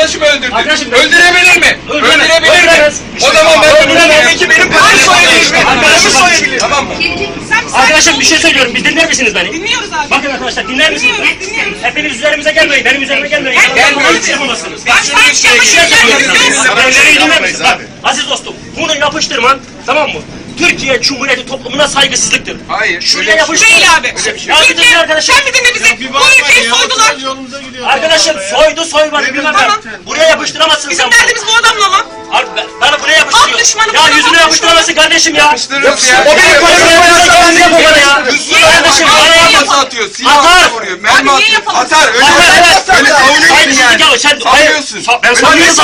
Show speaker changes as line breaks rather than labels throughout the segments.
arkadaşımı öldürdü.
Arkadaşım,
Öldürebilir mi? Öldürebilir mi? O zaman ben öldüremem ki benim paramı soyabilir. Paramı soyabilir. Tamam mı?
Arkadaşım bir şey söylüyorum. Bir dinler misiniz beni?
Dinliyoruz abi.
Bakın arkadaşlar dinler misiniz?
Dinliyoruz.
Hepiniz üzerimize gelmeyin. Benim üzerime gelmeyin.
Gelmiyoruz.
Hiç yapamazsınız.
Baş
Beni dinler misiniz? Bak aziz dostum. Bunu yapıştırman tamam mı? Türkiye Cumhuriyeti toplumuna saygısızlıktır.
Hayır.
Şuraya yapıştır.
Değil abi.
Ya bir dinle arkadaşım.
Sen bir dinle bizi. Bu ülkeyi soydular.
Arkadaşım soymadı bilmem
Tamam.
ben. Buraya yapıştıramazsın
Bizim
sen.
derdimiz bu adamla lan.
Bana buraya
Halk
yapıştırıyor.
düşmanı bu
Ya
adam,
yüzüne
halk
yapıştıramazsın kardeşim ya.
Yapıştırırız ya.
O benim paramı yapar ya. Kardeşim bana
Silahla
yapma.
atıyor. Silahla vuruyor. Mermi
Abi niye
atıyor.
yapalım?
Atar. Öyle
Atar,
öyle savunuyorsun yani.
Ya sen
Savunuyorsun.
ben savunuyorum.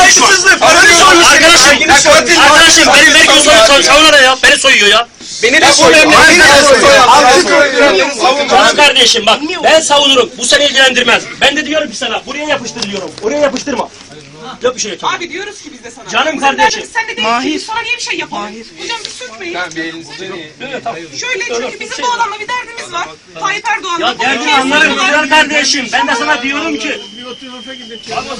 Arkadaşım benim vergi savunan ya. Beni soyuyor ya.
Beni de soyuyor.
Canım kardeşim bak ben savunurum. Bu seni ilgilendirmez. Ben de diyorum ki sana buraya yapıştır diyorum. Oraya yapıştırma. Yok bir şey yok.
Abi diyoruz ki biz de sana.
Canım
Bizim
kardeşim.
derdimiz sen de değil ki biz sana niye bir şey yapalım? Hocam bir sürtmeyin. Şöyle çünkü bizim bu adamla bir derdimiz var. Tayyip Erdoğan'la.
Ya derdini anlarım güzel kardeşim. Ben de sana diyorum ki